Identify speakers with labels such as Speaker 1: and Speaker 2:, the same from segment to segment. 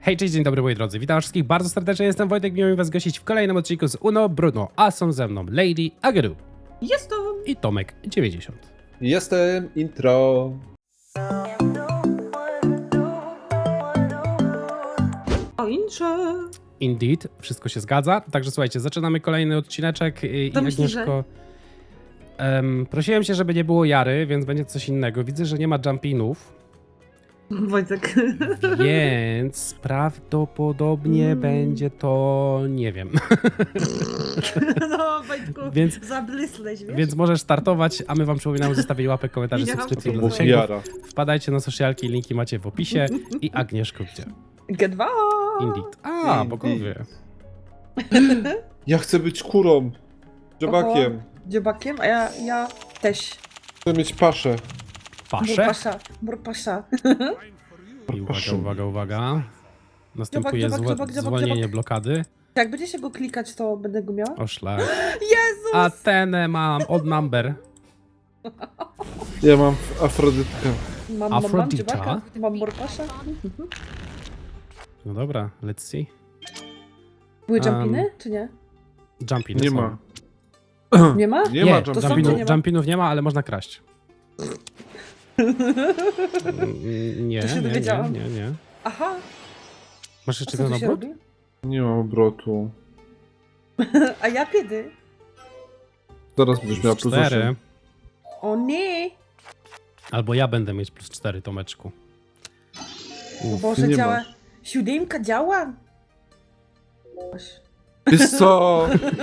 Speaker 1: Hej, cześć, dzień dobry moi drodzy, witam wszystkich bardzo serdecznie, jestem Wojtek, miło mi was gościć w kolejnym odcinku z Uno Bruno, a są ze mną Lady Ageru
Speaker 2: Jestem!
Speaker 1: i Tomek 90.
Speaker 3: Jestem intro.
Speaker 2: O incze!
Speaker 1: Indeed, wszystko się zgadza, także słuchajcie, zaczynamy kolejny odcineczek i
Speaker 2: To myślisz,
Speaker 1: Agnieszko... prosiłem się, żeby nie było Jary, więc będzie coś innego, widzę, że nie ma jumpinów,
Speaker 2: Wojtek.
Speaker 1: więc prawdopodobnie będzie to... nie wiem.
Speaker 2: No, Wojtku,
Speaker 1: Więc-
Speaker 2: zablysłeś, wiesz?
Speaker 1: Więc możesz startować, a my wam przypominamy zostawić łapek, komentarzy,
Speaker 2: Widziałam.
Speaker 1: subskrypcji
Speaker 3: To
Speaker 1: dla
Speaker 3: był
Speaker 1: zasięgów.
Speaker 3: Jara.
Speaker 1: Wpadajcie na socialki, linki macie w opisie. I Agnieszko gdzie?
Speaker 2: G2!
Speaker 1: Indeed. A,
Speaker 3: Indeed.
Speaker 1: bogowie.
Speaker 3: Ja chcę być kurą. Dziobakiem.
Speaker 2: Dziobakiem, a ja też.
Speaker 3: Chcę mieć paszę.
Speaker 1: Pasze.
Speaker 2: Burpasza.
Speaker 1: I uwaga. Następuje
Speaker 2: Dziobak.
Speaker 1: zwolnienie blokady.
Speaker 2: Jak będzie się go klikać, to będę go miała?
Speaker 1: O szlak.
Speaker 2: Jezus!
Speaker 1: Atenę mam od number.
Speaker 3: Ja mam Afrodytkę.
Speaker 2: Mam
Speaker 1: Afrodita?
Speaker 2: dziobaka, mam burpasza.
Speaker 1: No dobra, let's see.
Speaker 2: Były jumpiny, czy nie?
Speaker 1: Jumpiny
Speaker 3: Nie
Speaker 1: są.
Speaker 3: ma.
Speaker 2: Nie ma?
Speaker 3: Nie ma
Speaker 2: to są,
Speaker 3: jumpinów.
Speaker 2: nie ma?
Speaker 1: Jumpinów nie ma, ale można kraść. Nie,
Speaker 2: To się dowiedziałam.
Speaker 1: nie.
Speaker 2: Aha,
Speaker 1: Masz
Speaker 2: a
Speaker 1: jeszcze
Speaker 2: co
Speaker 1: ten
Speaker 2: tu się
Speaker 1: obrót?
Speaker 2: robi?
Speaker 3: Nie mam obrotu.
Speaker 2: A ja kiedy?
Speaker 3: Zaraz będziesz miała plus
Speaker 1: 4.
Speaker 3: 8.
Speaker 2: O nie!
Speaker 1: Albo ja będę mieć plus 4, Tomeczku.
Speaker 2: Boże,
Speaker 3: nie
Speaker 2: działa.
Speaker 3: masz.
Speaker 2: Siódemka działa? Oś.
Speaker 3: Wiesz co?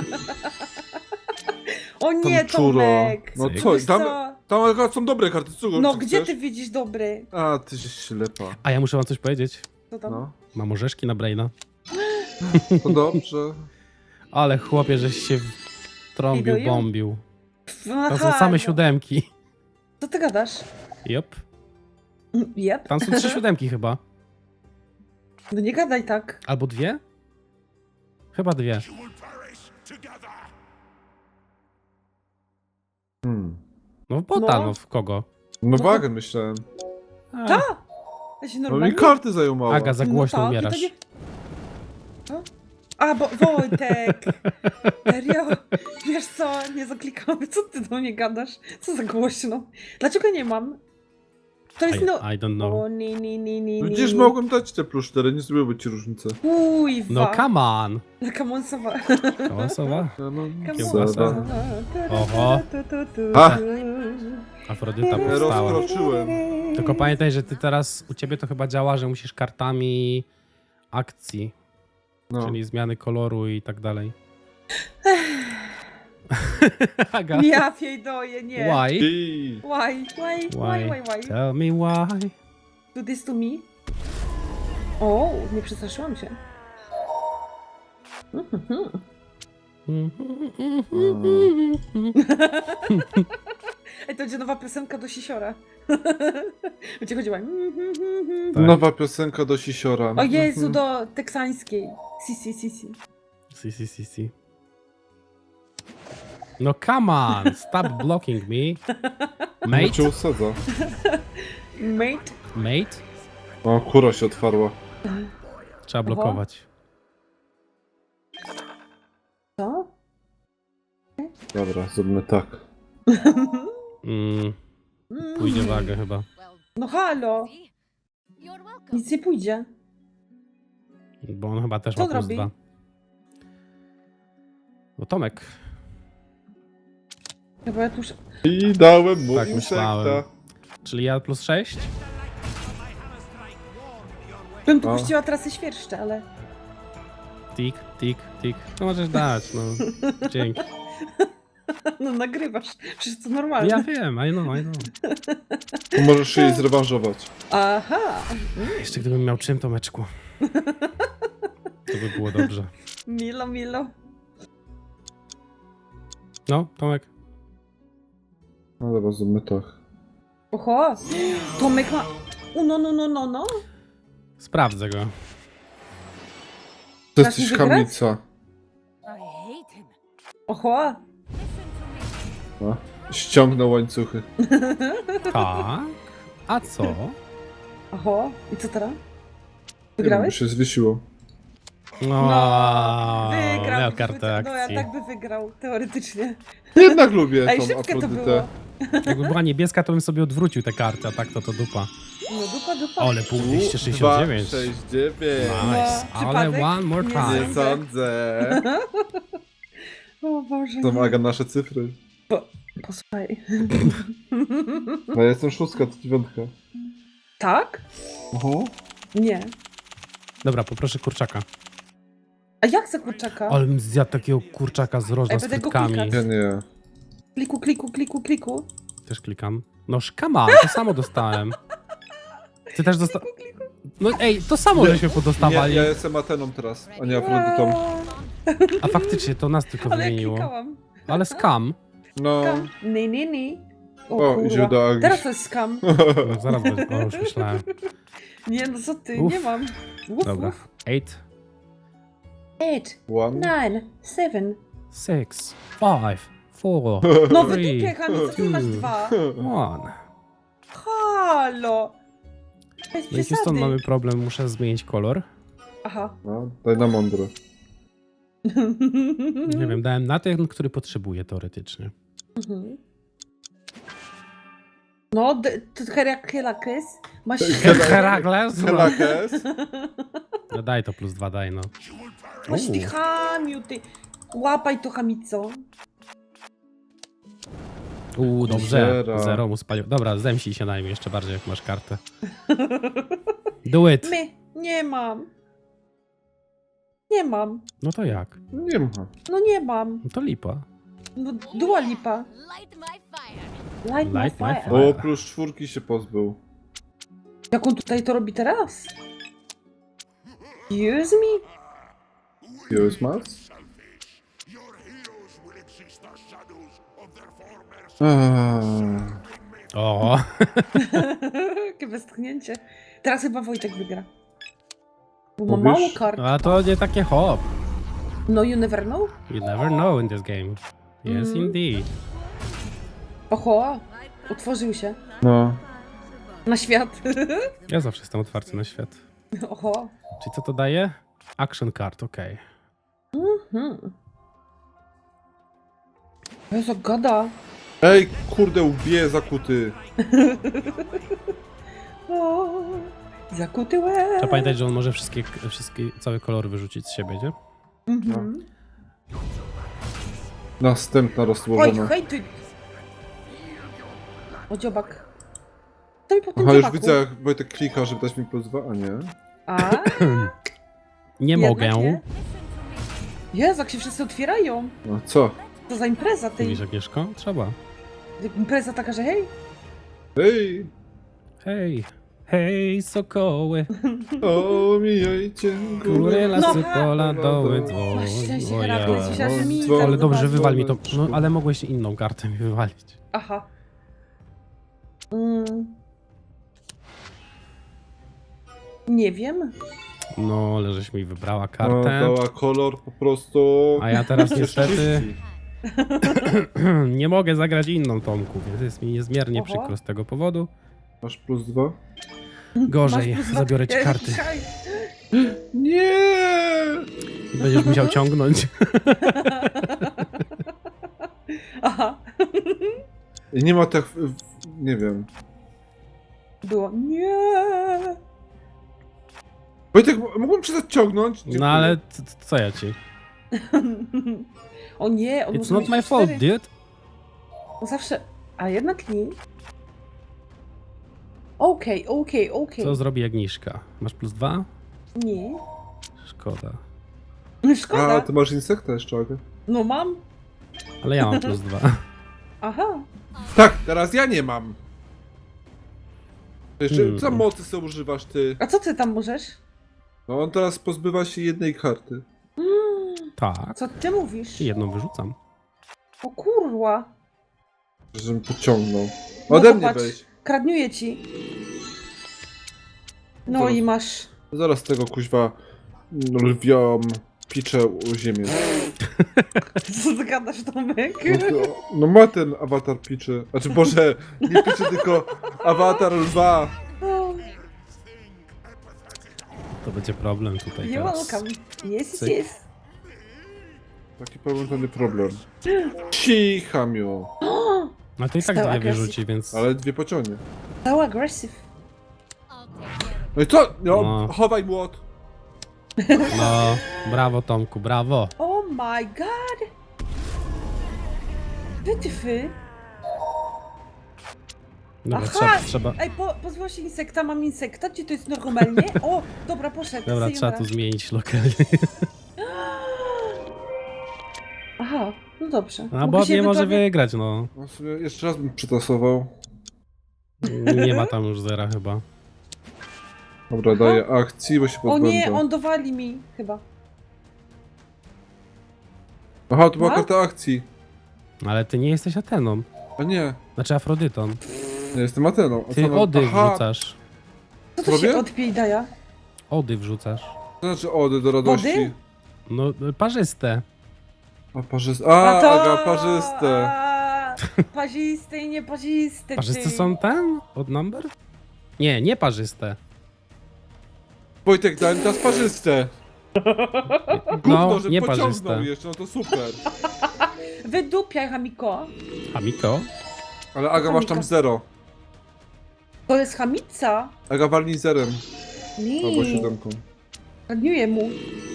Speaker 2: O nie,
Speaker 3: Tam czuro.
Speaker 2: Tomek!
Speaker 3: No
Speaker 1: Cyk.
Speaker 3: co?
Speaker 2: Wiesz
Speaker 3: Tam akurat są dobre karty. Co,
Speaker 2: No
Speaker 3: co
Speaker 2: gdzie
Speaker 3: chcesz?
Speaker 2: ty widzisz dobry?
Speaker 3: A, ty się ślepa.
Speaker 1: A ja muszę wam coś powiedzieć.
Speaker 2: Co tam?
Speaker 3: No.
Speaker 1: Mam orzeszki na Braina.
Speaker 3: To dobrze.
Speaker 1: Ale chłopie, żeś się trąbił,
Speaker 2: Idą?
Speaker 1: bombił.
Speaker 2: Aha,
Speaker 1: Tam są same
Speaker 2: no.
Speaker 1: siódemki.
Speaker 2: Co ty gadasz?
Speaker 1: Jop.
Speaker 2: Jep.
Speaker 1: Tam są 3 siódemki chyba.
Speaker 2: No nie gadaj tak.
Speaker 1: Albo 2? Chyba 2. No w bota,
Speaker 2: No.
Speaker 1: no w kogo?
Speaker 3: No wagę myślałem.
Speaker 1: A,
Speaker 2: Ta! Ja się
Speaker 3: No
Speaker 2: normalnie...
Speaker 3: mi karty zajął mało.
Speaker 1: Aga, za głośno
Speaker 2: No tak,
Speaker 1: umierasz.
Speaker 2: i to nie- Co? A, bo Wojtek! Serio? Wiesz co, nie zaklikamy. Co ty do mnie gadasz? Co za głośno? Dlaczego nie mam? To jest no...
Speaker 1: I don't know.
Speaker 2: O, nie.
Speaker 3: Widzisz, mogłem dać te plus 4, nie zrobiłoby ci różnicy.
Speaker 2: Kuźwa.
Speaker 1: No come on!
Speaker 2: Kamonsowa.
Speaker 1: Kałasowa?
Speaker 3: Ja mam
Speaker 1: Kiełbasa.
Speaker 3: sada.
Speaker 1: Oho.
Speaker 3: Ha!
Speaker 1: Afrodyta powstała.
Speaker 3: Rozkroczyłem.
Speaker 1: Tylko pamiętaj, że ty teraz, u ciebie to chyba działa, że musisz kartami akcji,
Speaker 3: No.
Speaker 1: czyli zmiany koloru i tak dalej. Aga,
Speaker 2: Ja fiedoję, nie.
Speaker 1: why?
Speaker 3: I...
Speaker 2: Why?
Speaker 1: Tell me why.
Speaker 2: Do this to me? O, nie przestraszyłam się. Ej, to będzie nowa piosenka do Sisiora. Będzie chodziła.
Speaker 1: Tak.
Speaker 3: Nowa piosenka do Sisiora.
Speaker 2: O Jezu, do teksańskiej. Si.
Speaker 1: Si. No come on, stop blocking me.
Speaker 3: No cię
Speaker 1: Mate?
Speaker 3: usadza.
Speaker 2: Mate?
Speaker 1: Mate?
Speaker 3: O, kura się otwarła.
Speaker 1: Trzeba blokować.
Speaker 2: Co?
Speaker 3: Dobra, zróbmy tak.
Speaker 1: Pójdzie wagę chyba.
Speaker 2: No halo,
Speaker 4: You're welcome.
Speaker 2: nic nie pójdzie.
Speaker 1: Bo on chyba też
Speaker 2: Co
Speaker 1: ma plus
Speaker 2: robi?
Speaker 1: 2. No Tomek.
Speaker 2: Chyba ja tu już...
Speaker 3: I dałem mu
Speaker 1: Tak
Speaker 3: insekta.
Speaker 1: myślałem. Czyli ja plus 6?
Speaker 2: Bym tu
Speaker 3: O.
Speaker 2: puściła trasy świerszcze, ale...
Speaker 1: Tik. No możesz dać, no. Dzięki.
Speaker 2: No nagrywasz, przecież to normalne.
Speaker 1: Ja wiem, I know.
Speaker 3: To możesz się jej zrewanżować.
Speaker 2: Aha,
Speaker 1: Jeszcze gdybym miał czym, Tomeczku. To by było dobrze.
Speaker 2: milo.
Speaker 1: No, Tomek.
Speaker 3: No dobra, zróbmy tak.
Speaker 2: Oho, Tomek ma... No.
Speaker 1: Sprawdzę go.
Speaker 3: To
Speaker 2: Dasz mi
Speaker 3: jesteś
Speaker 2: wygrać?
Speaker 3: kamica.
Speaker 4: I hate him.
Speaker 2: Oho,
Speaker 3: No. Ściągnę łańcuchy.
Speaker 1: Tak. A co?
Speaker 2: oho. I co teraz? Wygrałeś?
Speaker 3: Się zwiesiło.
Speaker 1: No,
Speaker 2: Wygrał.
Speaker 1: miał kartę
Speaker 2: No ja
Speaker 1: akcji.
Speaker 2: tak by wygrał, teoretycznie.
Speaker 3: Jednak lubię
Speaker 2: Ej,
Speaker 3: tą
Speaker 2: szybkie to
Speaker 3: Afrodytę.
Speaker 2: było.
Speaker 1: Jakby była niebieska, to bym sobie odwrócił tę kartę, a tak to dupa.
Speaker 2: No dupa.
Speaker 1: Ale pół 269.
Speaker 3: 269.
Speaker 1: Nice.
Speaker 2: No,
Speaker 1: Ale
Speaker 2: przypadek?
Speaker 1: one more
Speaker 2: Nie
Speaker 1: time.
Speaker 3: Nie sądzę.
Speaker 2: O Boże,
Speaker 3: To
Speaker 2: nie.
Speaker 3: Aga nasze cyfry.
Speaker 2: Posłuchaj.
Speaker 3: No ja jestem 6, to 9.
Speaker 2: Tak? Nie.
Speaker 1: Dobra, poproszę kurczaka.
Speaker 2: A jak za kurczaka?
Speaker 1: Ale bym zjadł takiego kurczaka z rożna
Speaker 2: Ej,
Speaker 1: z
Speaker 2: będę go
Speaker 1: frytkami.
Speaker 2: klikać.
Speaker 3: Ja nie.
Speaker 2: Kliku.
Speaker 1: Też klikam. No szkama, to samo dostałem. Ty też dostałeś... No ej, to samo żeśmy
Speaker 3: Nie,
Speaker 1: podostawali.
Speaker 3: ja jestem Ateną teraz, a nie Afrodytą.
Speaker 1: A faktycznie, to nas tylko
Speaker 2: Ale ja
Speaker 1: wymieniło.
Speaker 2: klikałam.
Speaker 1: Ale skam.
Speaker 3: No.
Speaker 2: Skam. Nie.
Speaker 3: O,
Speaker 2: kurwa.
Speaker 3: idzie do Agi.
Speaker 2: Teraz to jest skam.
Speaker 1: No, zaraz będzie. O, już myślałem.
Speaker 2: Nie, no co ty,
Speaker 1: Uf.
Speaker 2: nie mam. Uf,
Speaker 1: Dobra.
Speaker 2: uf.
Speaker 1: 8,
Speaker 2: 8,
Speaker 3: 1.
Speaker 2: 9, 7.
Speaker 1: 6, 5, 4,
Speaker 2: No
Speaker 1: 3,
Speaker 2: wydupie, Kamil, co ty masz dwa?
Speaker 1: 1.
Speaker 2: Halo! Bez
Speaker 1: No i Houston,
Speaker 2: przesady.
Speaker 1: mamy problem, muszę zmienić kolor.
Speaker 2: Aha.
Speaker 3: No, daj na mądro.
Speaker 1: Nie wiem, dałem na ten, który potrzebuję teoretycznie.
Speaker 2: Mhm. No, to Herakles. Masz...
Speaker 1: Herakles?
Speaker 3: Helakes.
Speaker 1: No daj to plus 2, daj no.
Speaker 2: Masz ty chamiu, ty. Łapaj to chamico.
Speaker 1: Dobrze.
Speaker 3: Zero.
Speaker 1: 0 mu spalił. Dobra, zemścij się na nim jeszcze bardziej, jak masz kartę. Do it.
Speaker 2: My, nie mam. Nie mam.
Speaker 1: No to jak?
Speaker 3: Nie ma.
Speaker 2: No nie mam.
Speaker 1: No to lipa.
Speaker 2: No Dua Lipa.
Speaker 4: Light my fire.
Speaker 2: Light my
Speaker 1: Light my
Speaker 2: fire.
Speaker 1: fire.
Speaker 3: O, plus 4 się pozbył.
Speaker 2: Jak on tutaj to robi teraz? Excuse me?
Speaker 3: Use Mars?
Speaker 1: O,
Speaker 2: Jakie westchnięcie. Teraz chyba Wojtek wygra. Bo ma
Speaker 3: Mówisz?
Speaker 2: mało kart.
Speaker 1: a to nie takie hop.
Speaker 2: No you never know.
Speaker 1: You never know in this game. Yes, indeed.
Speaker 2: Oho, utworzył się.
Speaker 3: No.
Speaker 2: Na świat.
Speaker 1: Ja zawsze jestem otwarty na świat.
Speaker 2: Oho.
Speaker 1: Czyli co to daje? Action card, okej.
Speaker 2: Jezu, gada.
Speaker 3: Ej, kurde, łbie zakuty.
Speaker 2: O, zakuty łeb.
Speaker 1: Trzeba pamiętać, że on może wszystkie, całe kolory wyrzucić z siebie, nie?
Speaker 2: Mhm.
Speaker 3: Następna
Speaker 2: Oj,
Speaker 3: rozłożona.
Speaker 2: hej ty. O dziobak. Co mi po tym
Speaker 3: Aha, już
Speaker 2: dziobaku?
Speaker 3: widzę, jak Wojtek klika, żeby dać mi plus 2, a nie.
Speaker 2: A?
Speaker 1: Nie
Speaker 2: Jednak
Speaker 1: mogę.
Speaker 2: nie. Jezu, jak się wszyscy otwierają.
Speaker 3: No co?
Speaker 2: Co za impreza tej.
Speaker 1: Mówisz, Agnieszko? Trzeba.
Speaker 2: Impreza taka, że hej.
Speaker 3: Hej,
Speaker 1: Hej, hej, sokoły,
Speaker 3: omijajcie
Speaker 1: góry,
Speaker 3: górę.
Speaker 1: lasy,
Speaker 2: No.
Speaker 1: pola, doły,
Speaker 2: Masz
Speaker 1: dzwony.
Speaker 2: szczęście,
Speaker 1: O ja.
Speaker 2: Herakles, myślałam, że mi
Speaker 3: Dzwon.
Speaker 1: Ale
Speaker 2: tak
Speaker 1: dobrze,
Speaker 2: zobaczy.
Speaker 1: wywal mi to. No, ale mogłeś inną kartę mi wywalić.
Speaker 2: Aha. Nie wiem.
Speaker 1: No, ale żeś mi wybrała
Speaker 3: No,
Speaker 1: kartę.
Speaker 3: dała kolor po prostu.
Speaker 1: A ja teraz
Speaker 3: Przecież
Speaker 1: niestety
Speaker 3: czyści.
Speaker 1: nie mogę zagrać inną Tomku, więc jest mi niezmiernie
Speaker 2: Oho.
Speaker 1: przykro z tego powodu.
Speaker 3: Masz plus 2?
Speaker 1: Gorzej,
Speaker 2: Masz plus dwa.
Speaker 1: zabiorę ci
Speaker 2: Ej,
Speaker 1: karty.
Speaker 2: czekaj.
Speaker 3: Nie!
Speaker 1: I będziesz musiał ciągnąć.
Speaker 2: Aha.
Speaker 3: I nie ma tak. Nie wiem.
Speaker 2: Było. Nie.
Speaker 3: Wojtek, mógłbym przestać ciągnąć? Dziękuję.
Speaker 1: No ale co ja ci?
Speaker 2: O nie, on
Speaker 1: It's
Speaker 2: może
Speaker 1: not
Speaker 2: mieć
Speaker 1: my
Speaker 2: cztery.
Speaker 1: fault, dude.
Speaker 2: On zawsze... A jednak nie. Okej.
Speaker 1: Co zrobi Agnieszka? Masz plus 2?
Speaker 2: Nie.
Speaker 1: Szkoda.
Speaker 2: Szkoda.
Speaker 3: A, ty masz insekta jeszcze, Aga.
Speaker 2: No mam.
Speaker 1: Ale ja mam plus 2.
Speaker 2: Aha.
Speaker 3: Tak, teraz ja nie mam. Jeszcze,
Speaker 1: Hmm.
Speaker 3: co mocy sobie używasz ty?
Speaker 2: A co ty tam możesz?
Speaker 3: No on teraz pozbywa się jednej karty.
Speaker 1: Tak.
Speaker 2: Co ty mówisz?
Speaker 1: I jedną wyrzucam.
Speaker 2: O kurwa.
Speaker 3: Żebym pociągnął.
Speaker 2: No
Speaker 3: Ode
Speaker 2: to
Speaker 3: mnie
Speaker 2: patrz.
Speaker 3: weź.
Speaker 2: Kradniuję ci. No
Speaker 3: Zaraz.
Speaker 2: i masz.
Speaker 3: Zaraz tego kuźwa lwią piczę u ziemię.
Speaker 2: Co ty gadasz, Tomek?
Speaker 3: No ma ten awatar piczy. Znaczy Boże, nie piczy, tylko awatar lwa.
Speaker 2: O,
Speaker 1: To będzie problem tutaj
Speaker 2: You're
Speaker 1: teraz.
Speaker 2: welcome. Yes,
Speaker 1: Cyk.
Speaker 2: yes.
Speaker 3: Taki problem to nie problem. Cicha miu.
Speaker 1: No to i tak
Speaker 2: Stał
Speaker 1: dwie
Speaker 2: agresji.
Speaker 1: wyrzuci, więc...
Speaker 3: Ale dwie pociągnie.
Speaker 2: So aggressive.
Speaker 4: I'll take care of
Speaker 3: No i co? No,
Speaker 1: No.
Speaker 3: chowaj młot.
Speaker 1: No, brawo Tomku, brawo.
Speaker 2: Oh my god! Wytyfy.
Speaker 1: Dobra,
Speaker 2: Aha!
Speaker 1: trzeba...
Speaker 2: Ej, pozbyła się insekta, mam insekta, czy to jest normalnie? O, dobra, poszedł.
Speaker 1: Dobra, trzeba
Speaker 2: sayonara.
Speaker 1: tu zmienić lokalnie.
Speaker 2: Aha, no dobrze.
Speaker 1: A
Speaker 2: Mogę
Speaker 1: Bob
Speaker 2: się
Speaker 1: nie może
Speaker 2: ewentualnie-
Speaker 1: wygrać, no.
Speaker 3: No w sumie jeszcze raz bym przetasował.
Speaker 1: Nie ma tam już zera chyba.
Speaker 3: Dobra, daję akcji, bo się
Speaker 2: O
Speaker 3: pozbędę.
Speaker 2: nie, on dowali mi chyba.
Speaker 3: Aha, to była
Speaker 2: No?
Speaker 3: karta akcji.
Speaker 1: Ale ty nie jesteś Ateną.
Speaker 3: A nie,
Speaker 1: Znaczy Afrodytą.
Speaker 3: ja jestem Ateną. A
Speaker 1: Ty
Speaker 3: co, no-
Speaker 1: ody
Speaker 3: Aha,
Speaker 1: wrzucasz.
Speaker 2: Co to
Speaker 3: Robię?
Speaker 2: się odpije i daje?
Speaker 1: Ody wrzucasz.
Speaker 3: to znaczy ody do radości.
Speaker 2: Ody?
Speaker 1: No, parzyste.
Speaker 3: A parzyste. A, Aga, parzyste.
Speaker 2: Parzyste i nieparzyste.
Speaker 1: Parzyste
Speaker 2: ty.
Speaker 1: są ten? Od number? Nie, nie parzyste.
Speaker 3: Wojtek, dałem teraz parzyste.
Speaker 1: No,
Speaker 3: Gówno, że
Speaker 1: nie
Speaker 3: pociągnął
Speaker 1: parzyste.
Speaker 3: jeszcze, no to super.
Speaker 2: Wydupiaj, Hamiko.
Speaker 1: Hamiko?
Speaker 3: Ale Aga, masz tam
Speaker 2: Hamika.
Speaker 3: 0.
Speaker 2: To jest chamica.
Speaker 3: Aga, walnij zerem. Albo
Speaker 2: Nie.
Speaker 3: 7.
Speaker 2: Radniuję mu.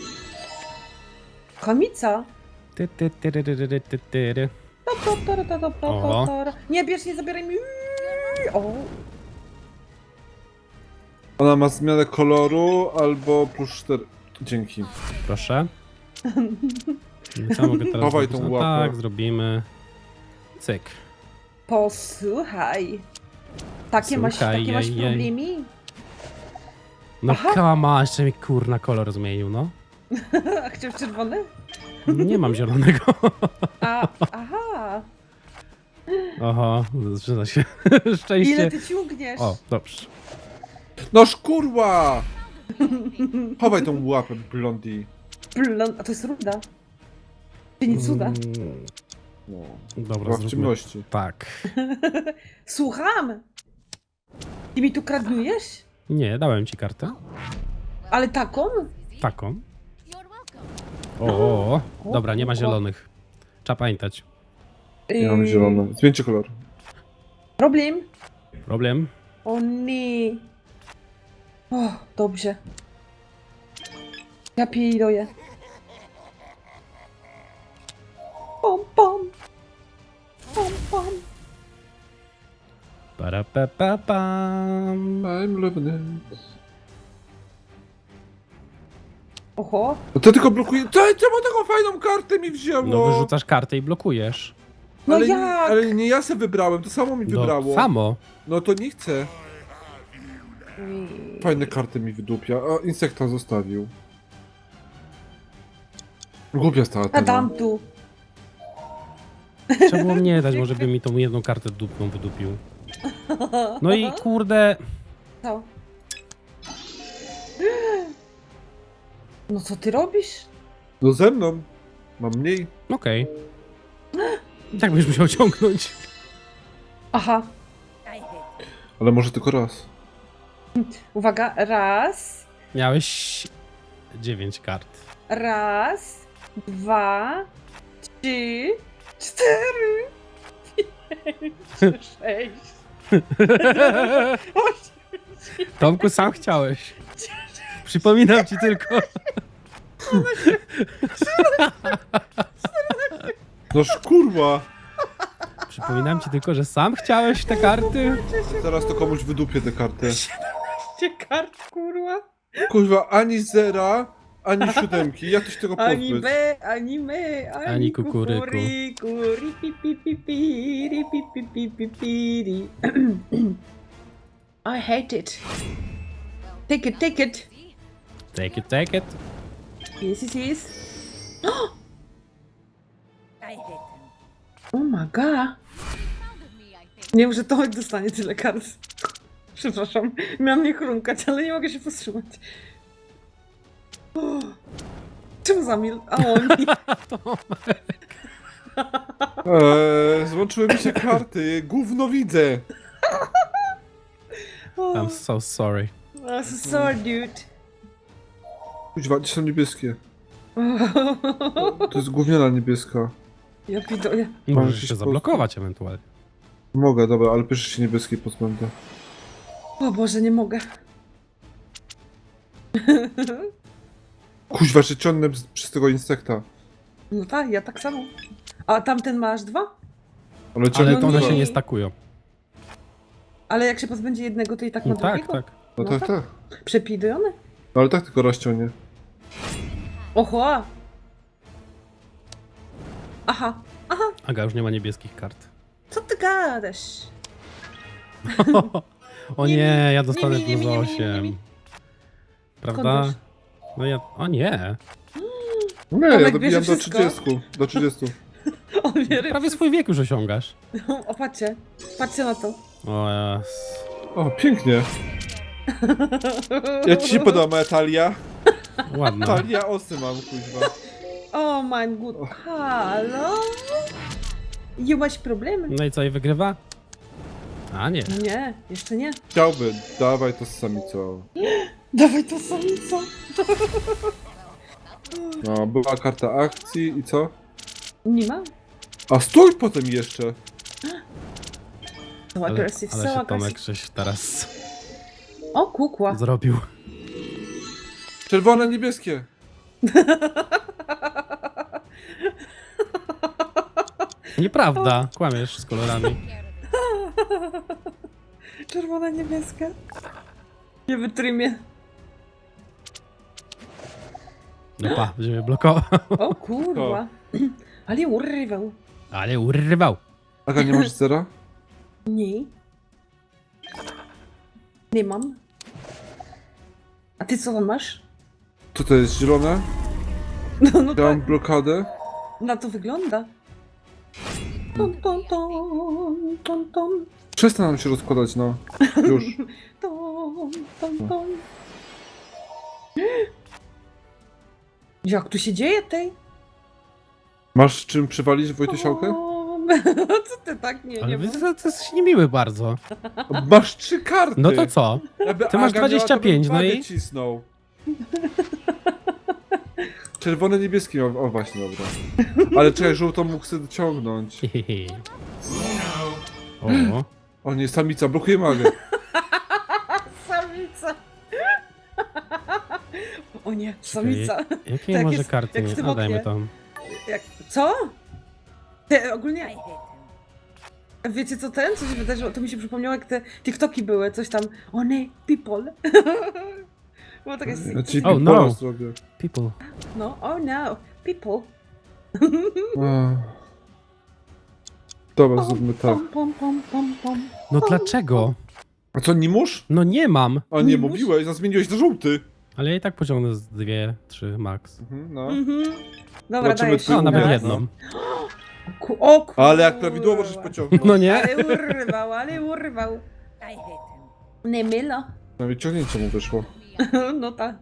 Speaker 2: Chamica.
Speaker 1: Ty, ty, ty, ty, ty, ty, ty, ty. Oho.
Speaker 2: Nie, bierz, nie zabieraj mi. O,
Speaker 3: Ona ma zmianę koloru albo plus 4. Dzięki.
Speaker 1: Proszę. Co mogę teraz
Speaker 3: Chowaj
Speaker 1: zrobić?
Speaker 3: tą
Speaker 1: No
Speaker 3: łapę.
Speaker 1: tak, zrobimy. Cyk.
Speaker 2: posłuchaj. Takie masz
Speaker 1: Słuchaj, jej.
Speaker 2: problemy?
Speaker 1: No
Speaker 2: Aha.
Speaker 1: kama, jeszcze mi kurna kolor zmienił, no.
Speaker 2: A chciał czerwony?
Speaker 1: Nie mam zielonego.
Speaker 2: Aha.
Speaker 1: Oho, zaczyna się szczęście.
Speaker 2: Ile ty ciągniesz?
Speaker 1: O, dobrze.
Speaker 3: No szkurła! Chowaj tą łapę, blondi.
Speaker 2: A to jest ruda. Czy nie cuda?
Speaker 1: Mm,
Speaker 3: No.
Speaker 1: Dobra,
Speaker 3: Była w
Speaker 1: zróbmy.
Speaker 3: ciemności.
Speaker 1: Tak.
Speaker 2: Słucham! Ty mi tu kradniujesz?
Speaker 1: Nie, dałem ci kartę.
Speaker 2: Ale taką?
Speaker 1: Taką.
Speaker 4: You're welcome.
Speaker 1: O, dobra, nie ma zielonych. Trzeba pamiętać.
Speaker 3: Ja mam zielony. Zmieńcie kolor.
Speaker 2: Problem?
Speaker 1: Problem?
Speaker 2: O nie. O, dobrze. Ja piję. Pom, pom. Pom, pom.
Speaker 1: Parapapapam.
Speaker 3: I'm living it.
Speaker 2: Oho.
Speaker 3: No to tylko blokuje. Czemu taką fajną kartę mi wzięło?
Speaker 1: No wyrzucasz kartę i blokujesz.
Speaker 2: No
Speaker 3: ale,
Speaker 2: jak?
Speaker 3: ale nie ja se wybrałem, to samo mi
Speaker 1: No,
Speaker 3: wybrało.
Speaker 1: samo.
Speaker 3: No to nie chcę. Fajne karty mi wydupia, a insekta zostawił. Głupia stała
Speaker 2: A
Speaker 3: ta.
Speaker 2: dam tu.
Speaker 1: Trzeba było mnie dać, może by mi tą jedną kartę dupną wydupił. No i kurde...
Speaker 2: Co? No co ty robisz?
Speaker 3: No ze mną. Mam mniej.
Speaker 1: Okej. Tak byś musiał ciągnąć.
Speaker 2: Aha.
Speaker 3: Ale może tylko raz.
Speaker 2: Uwaga. Raz.
Speaker 1: Miałeś 9 kart.
Speaker 2: Raz. 2. 3. 4. 5. 6. 8.
Speaker 1: Tomku, sam chciałeś. Przypominam ci tylko.
Speaker 3: No szkurwa!
Speaker 1: Przypominam ci tylko, że sam chciałeś te karty.
Speaker 3: Zaraz to komuś wydupię te karty.
Speaker 2: Kart, kurwa.
Speaker 3: Kurwa, ani zera, ani siódemki. Jak to się tego
Speaker 2: Ani
Speaker 3: pozbyć?
Speaker 2: B, ani my,
Speaker 1: Ani kukuryku.
Speaker 2: Ri, pi, pi, pi, pi, ri, pi, pi, pi, pi, pi, ri. I hate it. Take it, take it.
Speaker 1: Take it, take it.
Speaker 2: Yes, yes, yes.
Speaker 4: I hate them.
Speaker 2: Oh my god.
Speaker 4: Found of me, I think.
Speaker 2: Nie wiem, że Tomek dostanie tyle kart. Przepraszam, miałam nie chrumkać, ale nie mogę się powstrzymać. O, czemu zamil? A on mi.
Speaker 3: Złączyły mi się karty. Gówno widzę.
Speaker 2: O,
Speaker 1: I'm so sorry.
Speaker 2: I'm so sorry, dude.
Speaker 3: Kuźwa, gdzie są niebieskie? To jest gówniana niebieska.
Speaker 2: Ja pidoję.
Speaker 1: Możesz
Speaker 3: jakiś
Speaker 1: się zablokować ewentualnie.
Speaker 3: Mogę, dobra, ale pierwszy się niebieskiej pozbędę.
Speaker 2: O Boże, nie mogę.
Speaker 3: Kuźwa, że ciągnę przez tego insekta.
Speaker 2: No tak, ja tak samo. A tamten ma aż 2?
Speaker 3: Ale ciągnę
Speaker 1: Ale to one
Speaker 3: dwa.
Speaker 1: się nie stakują.
Speaker 2: Ale jak się pozbędzie jednego, to i tak ma
Speaker 1: No tak,
Speaker 2: drugiego?
Speaker 1: tak.
Speaker 3: No
Speaker 2: no
Speaker 3: tak,
Speaker 2: tak.
Speaker 3: tak.
Speaker 2: Przepidujący?
Speaker 3: No ale tak tylko rozciągnie.
Speaker 2: Oho! Aha,
Speaker 1: Aga już nie ma niebieskich kart.
Speaker 2: co ty gadasz?
Speaker 1: O
Speaker 2: Nie,
Speaker 1: nie, ja dostanę
Speaker 2: nie, nie,
Speaker 1: plus
Speaker 2: nie, nie, nie,
Speaker 1: 8.
Speaker 2: nie.
Speaker 1: Prawda?
Speaker 2: Skąd
Speaker 1: No ja... O nie.
Speaker 3: Nie, ja
Speaker 2: Tomek
Speaker 3: dobijam
Speaker 2: bierze
Speaker 3: do
Speaker 2: wszystko.
Speaker 3: 30. Do 30.
Speaker 2: On wie,
Speaker 1: Prawie swój wiek już osiągasz.
Speaker 2: O, patrzcie. Patrzcie na to.
Speaker 1: O jas.
Speaker 3: O, pięknie. Jak ci się podoba moja talia?
Speaker 1: Ładna.
Speaker 3: Talia osy mam, kuźwa.
Speaker 2: O my god. Halo? You masz problemy?
Speaker 1: No i co, i wygrywa? A nie.
Speaker 2: Nie, jeszcze nie.
Speaker 3: Chciałby, dawaj to z samicą.
Speaker 2: Dawaj to samica.
Speaker 3: No, była karta akcji i co?
Speaker 2: Nie ma?
Speaker 3: A stój potem jeszcze!
Speaker 2: So
Speaker 1: Ale,
Speaker 2: aggressive,
Speaker 1: ale
Speaker 2: so
Speaker 1: się
Speaker 2: aggressive.
Speaker 1: Tomek żeś teraz
Speaker 2: O, kukła.
Speaker 1: zrobił.
Speaker 3: Czerwone, niebieskie!
Speaker 1: Nieprawda, kłamiesz z kolorami.
Speaker 2: Czerwona, niebieska. Nie wytrymie.
Speaker 1: No pa, będziemy blokował.
Speaker 2: O kurwa. Ale urwał.
Speaker 1: Ale urwał.
Speaker 3: Aga, nie masz zera?
Speaker 2: Nie. Nie mam. A ty co tam masz?
Speaker 3: Co to jest, zielone?
Speaker 2: No, no
Speaker 3: Ja mam
Speaker 2: tak,
Speaker 3: blokadę.
Speaker 2: na to wygląda. Ton, ton, ton, ton, ton,
Speaker 3: Przestań nam się rozkładać, no. Już.
Speaker 2: ton, ton, ton. Jak tu się dzieje tej?
Speaker 3: Masz czym przywalić Wojtysiałkę?
Speaker 2: Co ty tak nie,
Speaker 1: Ale
Speaker 2: nie
Speaker 1: to jest niemiły bardzo.
Speaker 3: Masz 3 karty!
Speaker 1: No to co?
Speaker 3: Jakby
Speaker 1: Ty masz
Speaker 3: Aga miała, to
Speaker 1: 25,
Speaker 3: bym
Speaker 1: no
Speaker 3: wagę
Speaker 1: i?
Speaker 3: Cisnął. Czerwone, niebieskie miał. O właśnie, dobra. Ale czekaj, żółtą mógł sobie dociągnąć.
Speaker 1: Hehehe. O,
Speaker 3: O nie, samica, blokuje magę.
Speaker 2: Samica. O nie, samica.
Speaker 1: jakie
Speaker 2: Tak
Speaker 1: może
Speaker 2: jest,
Speaker 1: karty
Speaker 2: jak w
Speaker 1: nie?
Speaker 2: tym
Speaker 1: A dajmy
Speaker 2: oknie.
Speaker 1: tam.
Speaker 2: Jak, co? Te, ogólnie,
Speaker 4: I hate him.
Speaker 2: wiecie co ten? Co się wydarzyło? To mi się przypomniało, jak te TikToki były, coś tam. One people. Było takie
Speaker 3: Ja ci
Speaker 1: Oh,
Speaker 3: no.
Speaker 1: no.
Speaker 3: zrobię.
Speaker 1: People.
Speaker 2: no, oh no, people.
Speaker 3: A. Dobra, zróbmy tak.
Speaker 2: Pom, pom, pom, pom, pom.
Speaker 1: No dlaczego?
Speaker 3: A co, nie musz?
Speaker 1: No nie mam.
Speaker 3: A nie
Speaker 2: Nie musz?
Speaker 3: mówiłeś, a zmieniłeś na żółty.
Speaker 1: Ale ja i tak pociągnę z 2, 3 max.
Speaker 3: No.
Speaker 2: Mhm. Dobra,
Speaker 3: Zobaczymy,
Speaker 2: dajesz.
Speaker 3: czy
Speaker 1: A, nawet
Speaker 3: umiesz,
Speaker 1: jedną.
Speaker 2: O kurwa.
Speaker 3: Ale jak prawidłowo możesz pociągnąć.
Speaker 1: No nie?
Speaker 2: Ale urwał, ale urwał.
Speaker 4: I hate him.
Speaker 2: Nie mylo.
Speaker 3: Nawet ciągnięcie mu wyszło.
Speaker 2: No tak.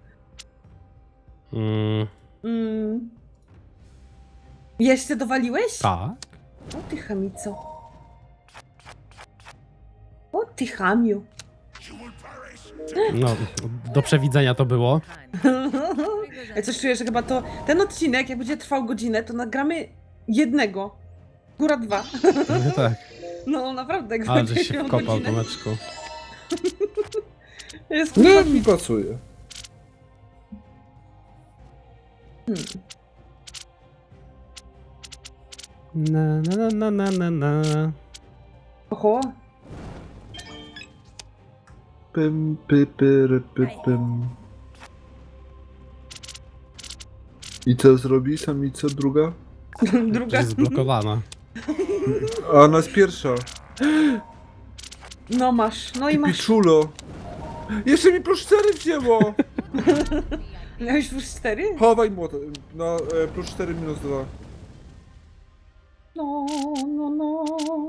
Speaker 1: Mm,
Speaker 2: Mm. Jeszcze dowaliłeś?
Speaker 1: tak.
Speaker 2: O ty chamico. O ty chamiu.
Speaker 1: No, do przewidzenia to było.
Speaker 2: Ja coś czuję, że chyba to ten odcinek, jak będzie trwał godzinę, to nagramy jednego. Góra 2.
Speaker 1: No tak.
Speaker 2: No naprawdę, jak
Speaker 1: Ale
Speaker 2: będzie
Speaker 1: żeś się
Speaker 2: miał
Speaker 1: wkopał,
Speaker 2: godzinę.
Speaker 1: Tomeczku.
Speaker 2: Jest
Speaker 3: Nie,
Speaker 2: chyba...
Speaker 3: mi pasuje.
Speaker 1: Na na na na na na.
Speaker 2: Oho.
Speaker 3: Pym, py, pyry, py, pym. I co zrobi samica druga?
Speaker 2: Druga.
Speaker 1: Jest zblokowana.
Speaker 3: A ona jest pierwsza.
Speaker 2: No masz, no i masz.
Speaker 3: Piczulo. Jeszcze mi plus 4 wzięło.
Speaker 2: Miałeś już 4?
Speaker 3: Chowaj młot. No, plus 4 minus 2.
Speaker 2: No, no, no.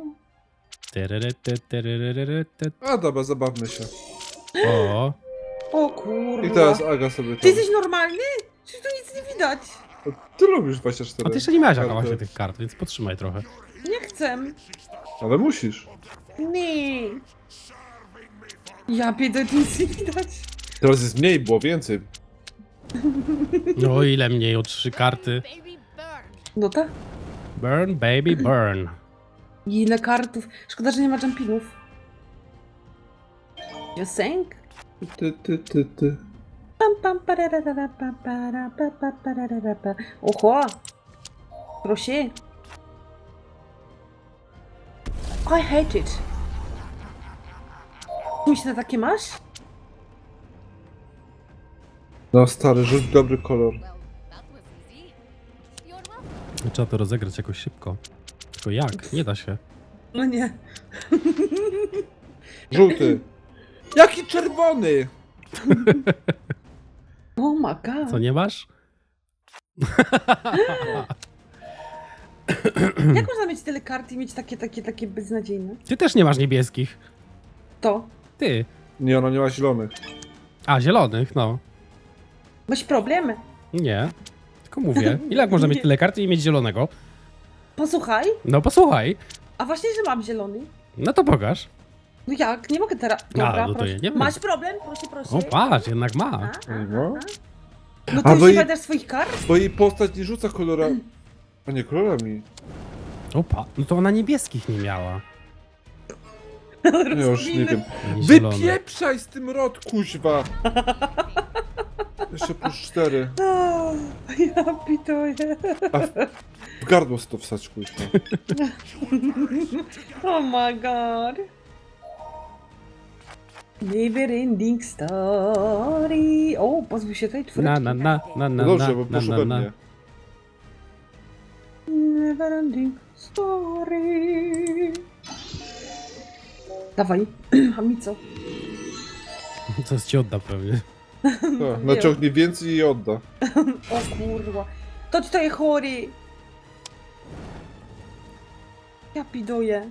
Speaker 1: Tyryrytyryryryryty.
Speaker 3: A dobra, zabawmy się.
Speaker 1: O,
Speaker 2: O kurwa.
Speaker 3: I teraz Aga sobie
Speaker 2: Ty
Speaker 3: tam.
Speaker 2: jesteś normalny? Czy tu nic nie widać?
Speaker 3: Ty lubisz 24.
Speaker 1: a ty jeszcze nie miałeś Aga
Speaker 3: karty.
Speaker 1: właśnie tych kart, więc podtrzymaj trochę.
Speaker 2: Nie chcę.
Speaker 3: Ale musisz.
Speaker 2: Nie. Ja pierdolę, tu nic nie widać.
Speaker 3: Teraz jest mniej, było więcej.
Speaker 1: No ile mniej o 3 karty.
Speaker 4: Baby burn.
Speaker 2: No tak.
Speaker 1: Burn, baby, burn.
Speaker 2: Ile kartów. Szkoda, że nie ma jumpingów. Just saying.
Speaker 3: Ty.
Speaker 2: Pam, pam, pararara, pa, para, pa, pa, pararara, pa. Oho! Proszę. I hate it. Myślę, takie masz?
Speaker 3: No stary, rzuć dobry kolor.
Speaker 4: Well, that was easy. You're welcome.
Speaker 1: Trzeba to rozegrać jakoś szybko. Tylko jak? Nie da się.
Speaker 2: No nie.
Speaker 3: Żółty. Jaki czerwony?
Speaker 2: Oh my god.
Speaker 1: Co, nie masz?
Speaker 2: Jak można mieć tyle kart i mieć takie beznadziejne?
Speaker 1: Ty też nie masz niebieskich.
Speaker 2: To.
Speaker 1: Ty.
Speaker 3: Nie, ona nie ma zielonych.
Speaker 1: A, zielonych, no.
Speaker 2: Masz problemy.
Speaker 1: Nie. Tylko mówię. Ile jak można mieć tyle kart i mieć zielonego?
Speaker 2: Posłuchaj.
Speaker 1: No posłuchaj.
Speaker 2: A właśnie, że mam zielony.
Speaker 1: No to pokaż.
Speaker 2: No jak? Nie mogę teraz. Dobra,
Speaker 1: no to
Speaker 2: proszę.
Speaker 1: ja nie wiem.
Speaker 2: Masz problem? Proszę.
Speaker 1: O, patrz, jednak ma.
Speaker 3: No.
Speaker 2: No
Speaker 3: A
Speaker 2: ty
Speaker 3: bo
Speaker 2: już nie
Speaker 3: i-
Speaker 2: pamiętasz swoich kart?
Speaker 3: Bo jej postać nie rzuca kolora... A nie, kolorami.
Speaker 1: Opa, no to ona niebieskich nie miała.
Speaker 3: Ja już nie wiem.
Speaker 1: Ani zielone.
Speaker 3: Wypieprzaj z tym rot, kuźwa! Jeszcze plus 4.
Speaker 2: O, ja pituję.
Speaker 3: W gardło sobie to wsać, kuźwa.
Speaker 2: Oh my god. Never ending story. O, pozwól się tej twórcy.
Speaker 1: Na.
Speaker 3: No dobrze, bo
Speaker 1: na,
Speaker 3: proszę
Speaker 1: na,
Speaker 3: we
Speaker 1: na.
Speaker 3: mnie.
Speaker 2: Never ending story. Dawaj, Hamico.
Speaker 1: Coś ci odda pewnie.
Speaker 3: Tak, naciągnie więcej i odda.
Speaker 2: O kurwa. To ci to jest chory. Ja piduję.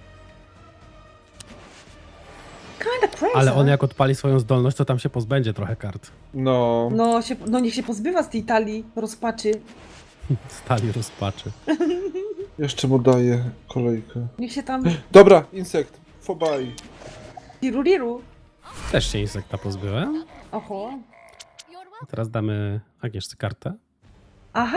Speaker 2: Kinda crazy.
Speaker 1: Ale on jak odpali swoją zdolność, to tam się pozbędzie trochę kart.
Speaker 3: No.
Speaker 2: No niech się pozbywa z tej talii rozpaczy.
Speaker 1: Stali rozpaczy.
Speaker 3: Jeszcze mu daję kolejkę.
Speaker 2: Niech się tam
Speaker 3: Dobra, insekt. Fobaj.
Speaker 2: tiruriru.
Speaker 1: Też się insekta pozbyłem.
Speaker 2: Oho.
Speaker 4: You're welcome.
Speaker 1: Teraz damy Agnieszce kartę.
Speaker 2: Aha.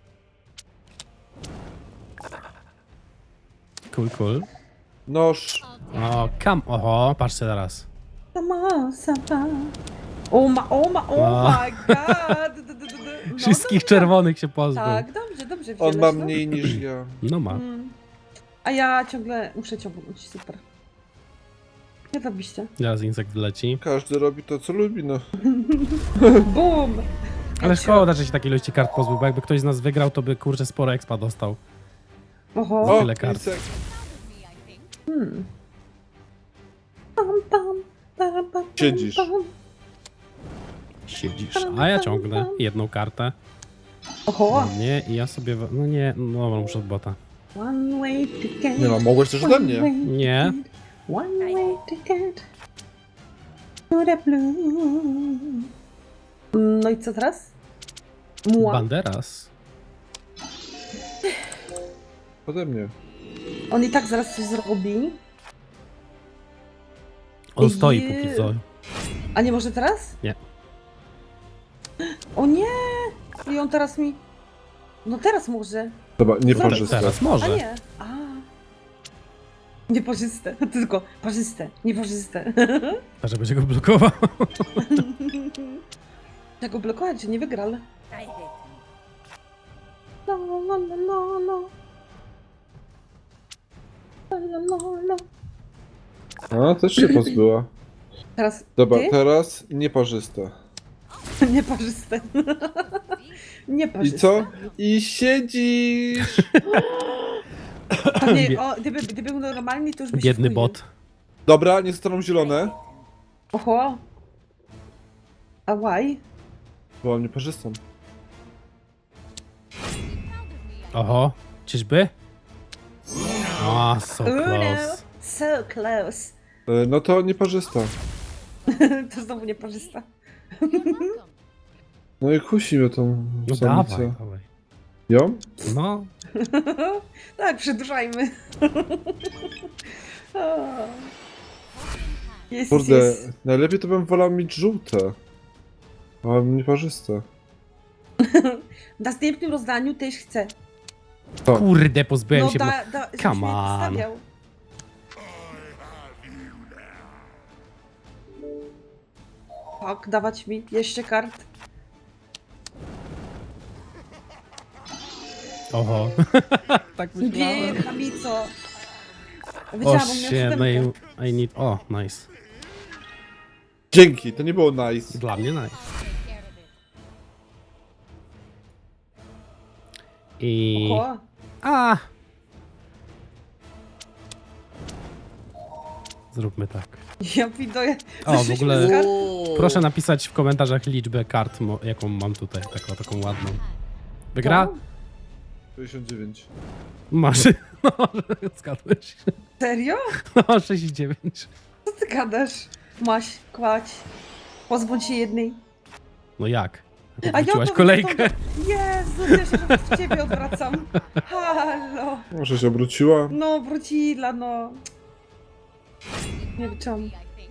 Speaker 1: Cool.
Speaker 3: Noż.
Speaker 1: O, oho, patrzcie teraz.
Speaker 2: Sama, sama. Oh
Speaker 1: A.
Speaker 2: my god. No,
Speaker 1: Wszystkich
Speaker 2: dobra.
Speaker 1: czerwonych się pozbył.
Speaker 2: Tak, dobrze.
Speaker 3: On
Speaker 2: wziąłeś,
Speaker 3: ma
Speaker 2: no.
Speaker 3: mniej niż ja.
Speaker 1: No ma.
Speaker 2: A ja ciągle muszę ciągnąć, super. Nie robiście.
Speaker 1: Teraz insekt leci.
Speaker 3: Każdy robi to, co lubi, no.
Speaker 2: Bum!
Speaker 1: Ale szkoda, że się takiej ilości kart pozbył, bo jakby ktoś z nas wygrał, to by kurczę sporo expa dostał.
Speaker 2: Oho.
Speaker 3: O,
Speaker 1: tyle kart.
Speaker 3: insekt.
Speaker 4: Me, I think.
Speaker 3: Siedzisz.
Speaker 1: Siedzisz. A ja ciągnę jedną kartę.
Speaker 2: Oho.
Speaker 1: Nie, i ja sobie... No nie, no muszę od bota.
Speaker 2: One way to get.
Speaker 3: Nie no, mogłeś też ode mnie.
Speaker 1: Nie.
Speaker 2: One way to get to the blue. No i co teraz? Muła.
Speaker 1: Banderas.
Speaker 3: Ode mnie.
Speaker 2: On i tak zaraz coś zrobi.
Speaker 1: On stoi
Speaker 2: Jeju.
Speaker 1: póki co.
Speaker 2: A nie może teraz?
Speaker 1: Nie.
Speaker 2: O nie! I on teraz mi... No teraz może.
Speaker 3: Dobra, nieparzyste.
Speaker 1: Teraz
Speaker 2: A
Speaker 1: może.
Speaker 2: nie. A. Nieparzyste. Tylko parzyste. Nieparzyste.
Speaker 1: A że będzie go blokował.
Speaker 2: Jak go blokować, że nie wygrał.
Speaker 4: I hate him.
Speaker 2: No. No.
Speaker 3: A, też się pozbyła.
Speaker 2: Teraz
Speaker 3: Dobra,
Speaker 2: ty?
Speaker 3: teraz nieparzyste.
Speaker 2: Nieparzyste.
Speaker 3: I
Speaker 2: Nieparzyste.
Speaker 3: co? I siedzisz!
Speaker 2: Pewnie, gdyby był normalny, to już by się
Speaker 1: Biedny
Speaker 2: wkuił.
Speaker 1: bot.
Speaker 3: Dobra, nie zostaną zielone.
Speaker 2: Oho. A why?
Speaker 3: Byłam nieparzystą.
Speaker 1: Oho. Czyżby? O, so
Speaker 2: Uno.
Speaker 1: close.
Speaker 2: So close.
Speaker 3: No to nieparzysta.
Speaker 2: To znowu nieparzysta.
Speaker 4: You're welcome.
Speaker 3: No i kusi mnie tą
Speaker 1: No
Speaker 3: samicę.
Speaker 1: dawaj.
Speaker 3: Ją?
Speaker 1: No.
Speaker 2: Tak, przedłużajmy. O. Jest,
Speaker 3: Kurde,
Speaker 2: jest.
Speaker 3: najlepiej to bym wolał mieć żółte. A nieparzyste.
Speaker 2: W następnym rozdaniu też chcę.
Speaker 3: To.
Speaker 1: Kurde, pozbyłem się.
Speaker 2: żebyś
Speaker 1: Come
Speaker 2: mnie
Speaker 1: on.
Speaker 2: wystawiał. Tak, dawać mi jeszcze kart.
Speaker 1: Oho. Tak myślałem.
Speaker 2: Bier, chamico.
Speaker 1: O
Speaker 2: Wiedziałam, on miał
Speaker 1: shit,
Speaker 2: siódemkę.
Speaker 1: no I need... O, nice.
Speaker 3: Dzięki, to nie było nice.
Speaker 1: Dla mnie nice.
Speaker 4: Take care of it.
Speaker 1: I...
Speaker 2: Oko.
Speaker 1: A! Zróbmy tak.
Speaker 2: Ja widuję.
Speaker 1: O, w ogóle
Speaker 2: Kart.
Speaker 1: proszę napisać w komentarzach liczbę kart, jaką mam tutaj, taką ładną. Wygra?
Speaker 2: No.
Speaker 3: 69.
Speaker 1: Masz. No, zgadłeś.
Speaker 2: Serio?
Speaker 1: No, 69.
Speaker 2: Co ty gadasz? Maś, kładź. Pozbądź się jednej.
Speaker 1: No jak?
Speaker 2: A ja
Speaker 1: Wróciłaś
Speaker 2: to
Speaker 1: kolejkę.
Speaker 2: Jezu, ja się w ciebie odwracam. Halo.
Speaker 3: Może się obróciła?
Speaker 2: No, wrócila, no. Nie wiem.
Speaker 4: I think.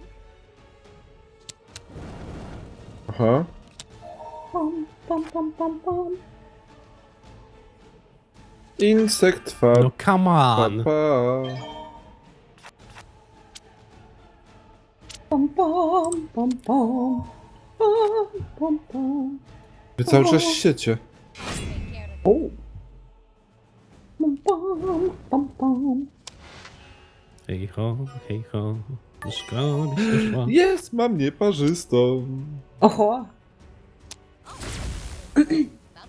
Speaker 3: Aha.
Speaker 2: Pom, pom, pom, pom, pom.
Speaker 3: Insekt
Speaker 1: No
Speaker 3: far.
Speaker 1: come
Speaker 3: Pa,
Speaker 1: on.
Speaker 3: pa.
Speaker 2: Pom, pom, pom, pom. Pom, pom, pom.
Speaker 3: Wy cały czas siecie.
Speaker 4: Take care of it.
Speaker 2: O. Pom, pom, pom, pom.
Speaker 1: Hej ho, szkoda się szła.
Speaker 3: Jest, mam nieparzystą.
Speaker 2: Oho.
Speaker 4: That was easy.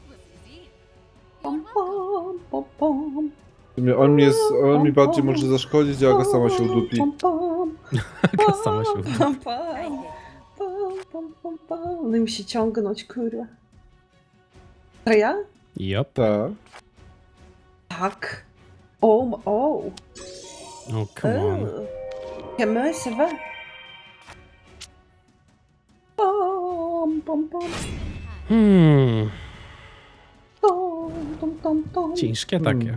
Speaker 2: Pom,
Speaker 4: You're welcome.
Speaker 2: pom, pom, pom.
Speaker 3: W sumie on mi bardziej może zaszkodzić, a Aga sama się udupi.
Speaker 2: Pom, pom.
Speaker 1: Taka sama się uda.
Speaker 2: Pom,
Speaker 4: I
Speaker 2: pom.
Speaker 4: did.
Speaker 2: Pom, pom, pom, pom. No i musi ciągnąć, kurwa. To ja?
Speaker 1: Jop.
Speaker 3: Tak.
Speaker 2: Tak. O, o.
Speaker 1: Oh, come on.
Speaker 2: Comment ça va? Pom, pom, pom. Tom, tom, tom, tom.
Speaker 1: Ciężkie takie.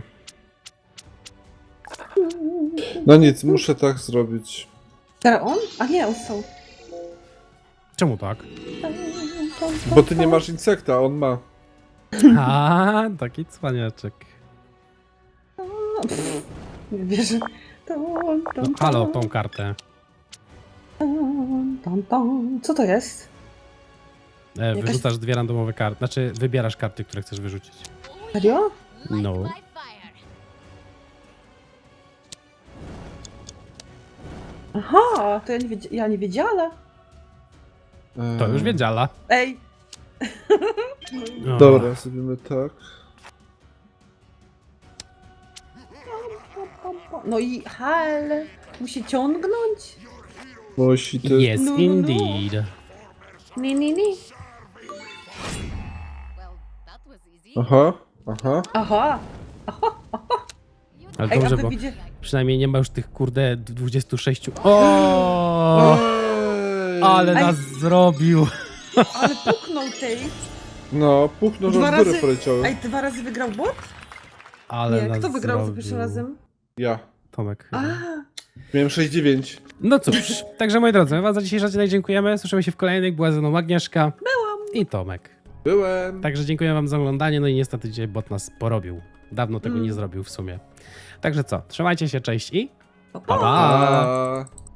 Speaker 3: No nic, muszę tak zrobić.
Speaker 2: Teraz on? A nie, on są.
Speaker 1: Czemu tak?
Speaker 3: Bo ty nie masz insekta, a on ma.
Speaker 1: A, taki cwaniaczek.
Speaker 2: Nie wierzę. Tom,
Speaker 1: No,
Speaker 2: tom,
Speaker 1: halo,
Speaker 2: tom,
Speaker 1: tą kartę.
Speaker 2: tom, tom, tom. Co to jest?
Speaker 1: Wyrzucasz dwie randomowe karty. Znaczy, wybierasz karty, które chcesz wyrzucić.
Speaker 2: Serio?
Speaker 4: Light
Speaker 1: No.
Speaker 4: my fire.
Speaker 2: Aha, to ja nie wiedziała.
Speaker 1: To już wiedziała.
Speaker 2: Ej.
Speaker 1: O.
Speaker 3: Dobra, zrobimy tak.
Speaker 2: No i hal. Musi ciągnąć?
Speaker 3: Musi ty.
Speaker 1: Yes,
Speaker 2: No, no, no.
Speaker 1: indeed.
Speaker 2: Nie, nie, nie.
Speaker 4: Well, that was easy.
Speaker 3: Aha, aha.
Speaker 2: Aha.
Speaker 4: You
Speaker 1: Ale
Speaker 2: Ej, a
Speaker 1: dobrze,
Speaker 2: wy
Speaker 1: bo
Speaker 2: widzicie...
Speaker 1: przynajmniej nie ma już tych kurde 26. O!
Speaker 3: Ej.
Speaker 1: Ale
Speaker 2: Ej.
Speaker 1: nas zrobił.
Speaker 2: Ale puknął tej.
Speaker 3: No, puchnął, że
Speaker 2: Dwa
Speaker 3: w górę
Speaker 2: razy-
Speaker 3: poleciały.
Speaker 2: Ej, 2 razy wygrał bot?
Speaker 1: Ale
Speaker 2: Nie,
Speaker 1: nas
Speaker 2: kto wygrał za
Speaker 1: zrobił.
Speaker 2: pierwszym razem?
Speaker 3: Ja.
Speaker 1: Tomek.
Speaker 2: A,
Speaker 3: Miałem 6,9.
Speaker 1: No cóż, także moi drodzy, my wam za dzisiejszy odcinek dziękujemy. Słyszymy się w kolejnych. Była ze mną Agnieszka. Byłam. I Tomek.
Speaker 3: Byłem.
Speaker 1: Także dziękuję wam za oglądanie. No i niestety dzisiaj bot nas porobił. Dawno tego nie zrobił w sumie. Także co, trzymajcie się, cześć i
Speaker 2: pa,
Speaker 1: pa
Speaker 2: pa.
Speaker 1: pa!
Speaker 3: Pa.